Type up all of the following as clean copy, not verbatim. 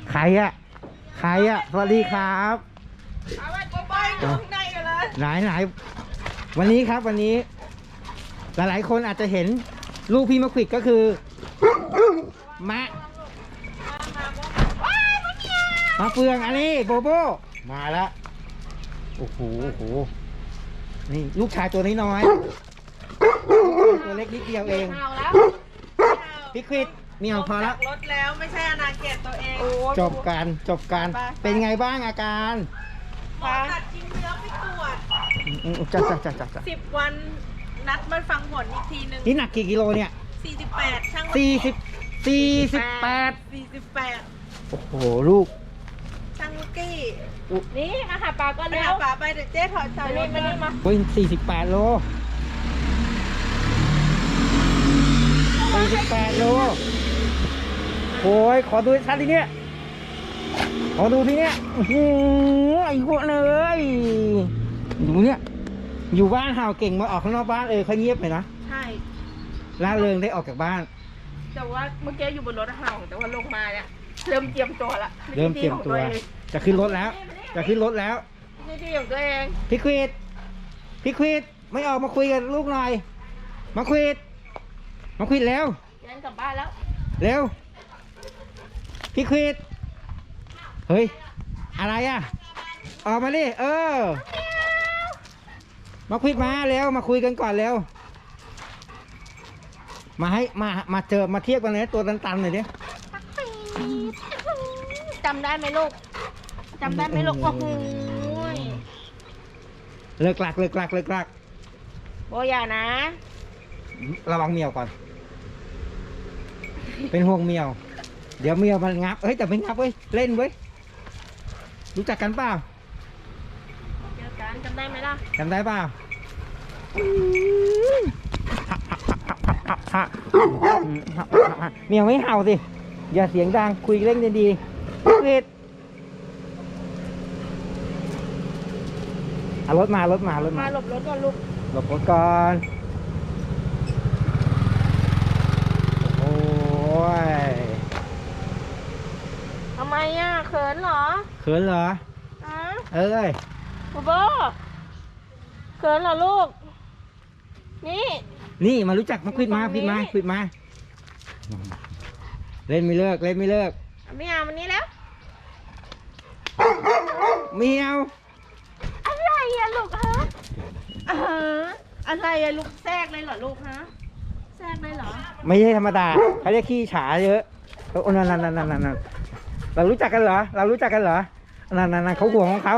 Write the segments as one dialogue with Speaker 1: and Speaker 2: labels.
Speaker 1: ใครอะสวัสดีครับ
Speaker 2: เอาไว้ปล่อยอยู่ข้างในกันเลย
Speaker 1: ไหนวันนี้ครับวันนี้หลายๆคนอาจจะเห็นลูกพี่มะขวิดก็คือมะเฟืองอันนี้โบโบมาแล้วโอ้โหนี่ลูกชายตัวน้อยๆตัวเล็กนิดเดียวเองพี่ควิดมีเอาพอแล้ว
Speaker 2: รถแล้วไม่ใช่อนาเขตตัวเอง
Speaker 1: จบกันเป็นไงบ้างอาการ
Speaker 2: หมอตัดชิ้นเนื้อไปตรวจ
Speaker 1: จ้ะ
Speaker 2: 10 วันนัดมาฟังผลอีกทีนึง
Speaker 1: นี่หนักกี่กิโลเนี่ย
Speaker 2: 48ช่าง
Speaker 1: 48โอ้โหลูก
Speaker 2: ช่างกี้
Speaker 3: นี่อาหารปลาก็แล้ว
Speaker 2: ปลาไปเดี๋ยวเจ๊ถอดสายรถมา
Speaker 1: โอ้ย48 โลโอ้ยขอดูชัดทีเนี้ยไอ้พวกเลยดูเนี่ยอยู่บ้านห่าวเก่งมาออกข้างนอกบ้านเขาเงียบเลยนะ
Speaker 2: ใช่
Speaker 1: ล่าเริงได้ออกจากบ้าน
Speaker 2: แต่ว่าเมื่อกี้อยู่บนรถห่าวแต่ว่าลงมาเนี่ยเริ่มเตรียมตัว
Speaker 1: จะขึ้นรถแล้ว
Speaker 2: นี่ที่ของตัวเอง
Speaker 1: พี่ควิดไม่ออกมาคุยกันลูกหน่อยมาควิดแล้ว
Speaker 2: ยันกลับบ้านแล้ว
Speaker 1: เร็วพี่ควิดเฮ้ยอะไรอ่ะออกมาดิมาควิดมาเร็วมาคุยกันก่อนเร็วมาเจอมาเทียบกันเลยตัวตันๆหน่อยดิ
Speaker 2: จำได้ไหมลูกโอ้โห
Speaker 1: เลิกลัก
Speaker 2: โบอย่านะ
Speaker 1: ระวังเมียวก่อนเป็นห่วงเมียวเดี๋ยวเมียวมันงับแต่ไม่งับเว้ยเล่นเว้ยรู้จักกันเปล่า
Speaker 2: เจอกันจำได้ไหมล่ะ
Speaker 1: จำได้เปล่าเมียวไม่เห่าสิอย่าเสียงดังคุยเล่นดีๆเฮ็ดรถมา
Speaker 2: หลบรถก่อนลูก
Speaker 1: หลบรถก่อนโอ้ย
Speaker 2: ทำไมเขินเหรอโบโบเขินเหรอลูก
Speaker 1: นี่มารู้จักมาควิดมาเล่นไม่เลิก
Speaker 2: ไม่เอาวันนี้แล้ว
Speaker 1: เมียว
Speaker 2: อะไรลูกฮะอะไรลูกแทรกเลยเหรอลูกฮะแทรกเลยเหรอ
Speaker 1: ไม่ใช่ธรรมดาเขาเรียกขี้ฉาเยอะนั่นเรารู้จักกันเหรอนั่นเขาห่วงของเขา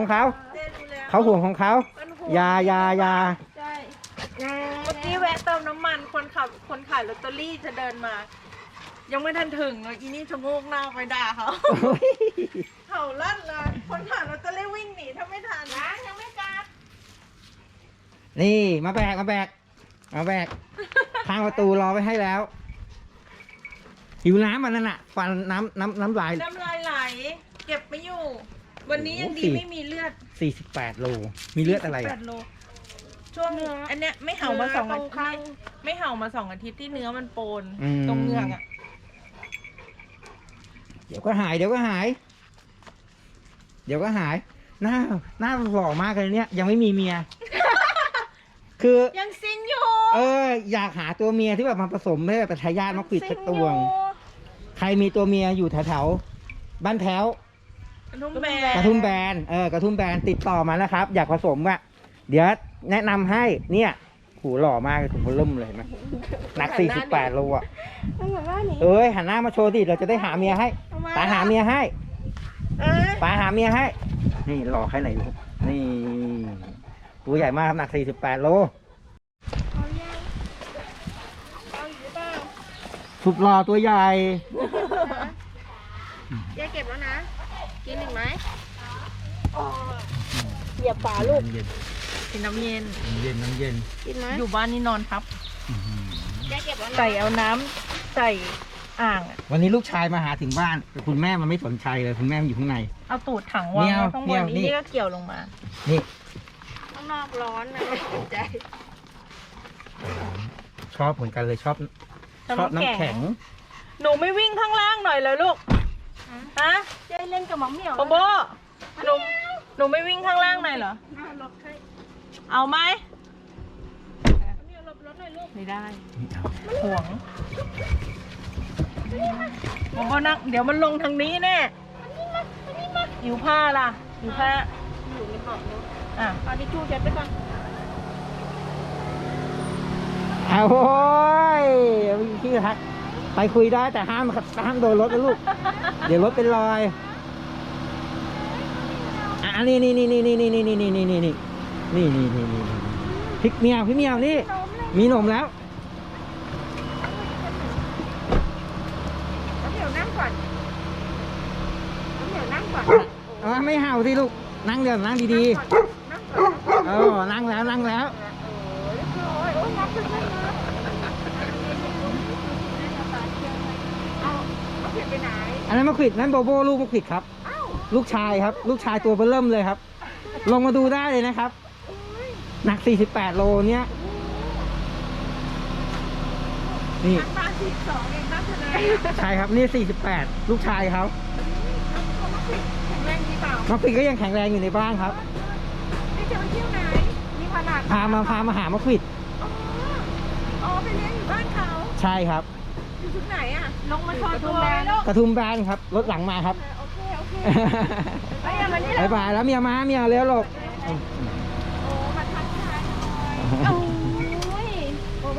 Speaker 1: ยา
Speaker 2: ใช่เมื่อกี้แวะเติมน้ำมันคนขายลอตเตอรี่จะเดินมายังไม่ทันถึงเลยอีนี่ชะโงกหน้าไปด่าเขาเห่าลั่นเลยคนขายลอตเตอรี่วิ่งหนีถ้าไม่ทันนะยังไม่กลับ
Speaker 1: นี่มาแบกทางประตูรอไว้ให้แล้วหิวน้ำมันนั่นน่ะฟันน้ำลาย
Speaker 2: ไหลเก็บไม่อยู่วันนี้ยังดีไม่มีเลือด
Speaker 1: 48 โลมีเลือดอะไร
Speaker 2: โลช่วงอันเนี้ยไม่เห่ามา2 อาทิตย์ไม่เห่ามา2 อาทิตย์ที่เนื้อมันโปนตรงเงือก
Speaker 1: เดี๋ยวก็หายหน้าหล่อมากเลยเนี่ยยังไม่มีเมียคือ
Speaker 2: ยังซิงอยู่
Speaker 1: อยากหาตัวเมียที่แบบมาผสมให้แบบทายาทมะขวิดสักตัวใครมีตัวเมียอยู่แถวๆบ้านแถว
Speaker 2: กระทุ่มแบ
Speaker 1: นติดต่อมานะครับอยากผสมเดี๋ยวแนะนำให้เนี่ยหูหล่อมากถุงเริ่มเลยนะหนัก48 โลหันหน้ามาโชว์ดิเราจะได้หาเมียให้ตาหาเมียให้นี่หล่อแค่ไหนนี่ตัวใหญ่มากหนัก48 โลสุดหล่อตัวใหญ่
Speaker 2: แยกเก็บแล้วนะกินหนึ่งไหมเหยียบฝาลูกกินน้ำเย็นกินไหมอยู่บ้านนี่นอนทับใส่เอาน้ำใส่อ่าง
Speaker 1: วันนี้ลูกชายมาหาถึงบ้านแต่คุณแม่มันไม่สนใจเลยคุณแม่มันอยู่ข้างใน
Speaker 2: เอาตูดถังวางข้างบนนี่ก็เกี่ยวลงมา
Speaker 1: นี่
Speaker 2: ข้างนอกร้อนนะไม่สนใจ
Speaker 1: ชอบเหมือนกันเลยชอบน้ำแข็ง
Speaker 2: หนูไม่วิ่งข้างล่างหน่อยเลยลูกฮะ
Speaker 3: จะเล่นกับหมอเหมียว
Speaker 2: โบโบหนูไม่วิ่งข้างล่างหน่อยเหรอ เอาไหมไม่ได้ห่วงโบโบนั่งเดี๋ยวมันลงทางนี้แน่หิวผ้าล่ะหิวผ้า
Speaker 3: อยู่ในเบาะเนาะ
Speaker 2: อ่ะ
Speaker 3: เอาทิชชู่เช็ดไปก่อน
Speaker 1: เอาโว้ยพี่ทักไปคุยได้แต่ห้ามโดนรถนะลูก เดี๋ยวรถเป็นรอยอ่ะนี่พี่เมียวนี่ มีหนมแล้ว
Speaker 3: น้ำเหมียวนั่งก่อนน้ำเหมียวนั่งก่อน
Speaker 1: ไม่เห่าสิลูก นั่งเดี๋ยวนั่งดี
Speaker 3: นั่งก่อน
Speaker 1: ๆนั่งแล้ว
Speaker 3: โอ้ยนับขึ้นเลยนะเอาเปลี่ยนไปไหน
Speaker 1: อันนั้นมะขวิดนั่นโบโบลูกมะขวิดครับ ลูกชายครับ ลูกชายตัวเบิ่มเลยครับ ลงมาดูได้เลยนะครับ หนัก 48 โลเนี้ยนี่
Speaker 3: มา12เองนับคะแนน
Speaker 1: ใช่ครับนี่ 48 ลูกชายเขา
Speaker 3: แข็งแรงดีเปล่าม
Speaker 1: ะขวิดก็ยังแข็งแรงอยู่ในบ้านครับ
Speaker 3: ไม่จะไปเที่ยวไหนนี่ขนาด
Speaker 1: พามาหามะขวิด
Speaker 3: อ๋อไปเลี้ยงอยู่บ้านเขา
Speaker 1: ใช่ครับ
Speaker 3: อยู่ที่ไหนอ่ะ
Speaker 2: ลงมาโชว์ตัวเลยลูก
Speaker 1: กระทุ่มแบนครับ รถหลังมาครับ
Speaker 3: โอเคไปอย่ามานี่เล
Speaker 1: บาย ยบายแล้วเมียเลี้ยวหลบ
Speaker 3: โอ้มาทักทายหน่อยโอ้ยโอ้โห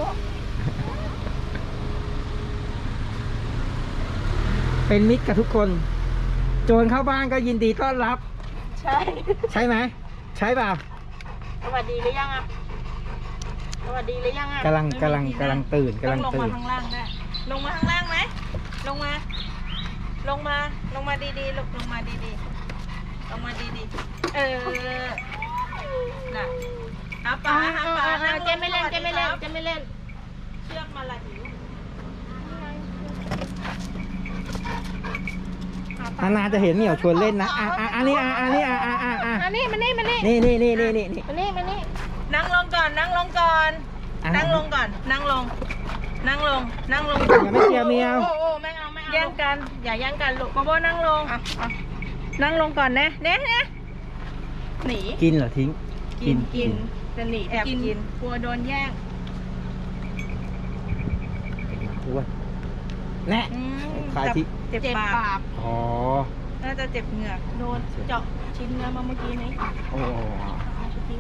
Speaker 1: เป็นมิตรกับทุกคน โจรเข้าบ้านก็ยินดีต้อนรับ
Speaker 2: ใช่
Speaker 1: ใช่ไหม ใช่เปล่า
Speaker 2: สวัสดีหรือยังอ่ะสวัสดีหรือยังอ่ะ
Speaker 1: กำลังตื่น
Speaker 2: ต้องลงมาข้างล่างได้ลงมาข้างล่างไหมลงมาดีๆลูกลงมาดีๆลงมาดีๆน่ะหาปลานั่ง
Speaker 3: เจไม่เล่น
Speaker 2: เชือกมาละหิว
Speaker 1: นานๆจะเห็นเหมียวชวนเล่นนะอันนี้
Speaker 3: มานี่มานี่
Speaker 1: นี่
Speaker 2: นั่งลงก่อนนั่งลงก่อน นั่งลง
Speaker 1: อย่าไม่เชียร์เมียว
Speaker 3: โอ้ไม่เอา
Speaker 2: แย่งกันอย่าแย่งกันลูกโบโบนั่งลงนั่งลงก่อนนะหนี
Speaker 1: กินเหรอทิ้ง
Speaker 2: กินจะหนีแอบกินกลัวโดนแย่ง
Speaker 1: อ้วนแน่ ขายที่
Speaker 2: เจ็บปาก
Speaker 1: อ๋อ
Speaker 2: น่าจะเจ็บเหงือกโดนเจาะชิ้นเนื้อมาเมื่อกี้นี้
Speaker 1: โอ้
Speaker 2: ทิ้ง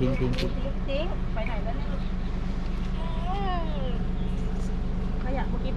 Speaker 1: ทิ้ง
Speaker 2: ไปไหนแล้วเนี่ยขยะเมื่อกี้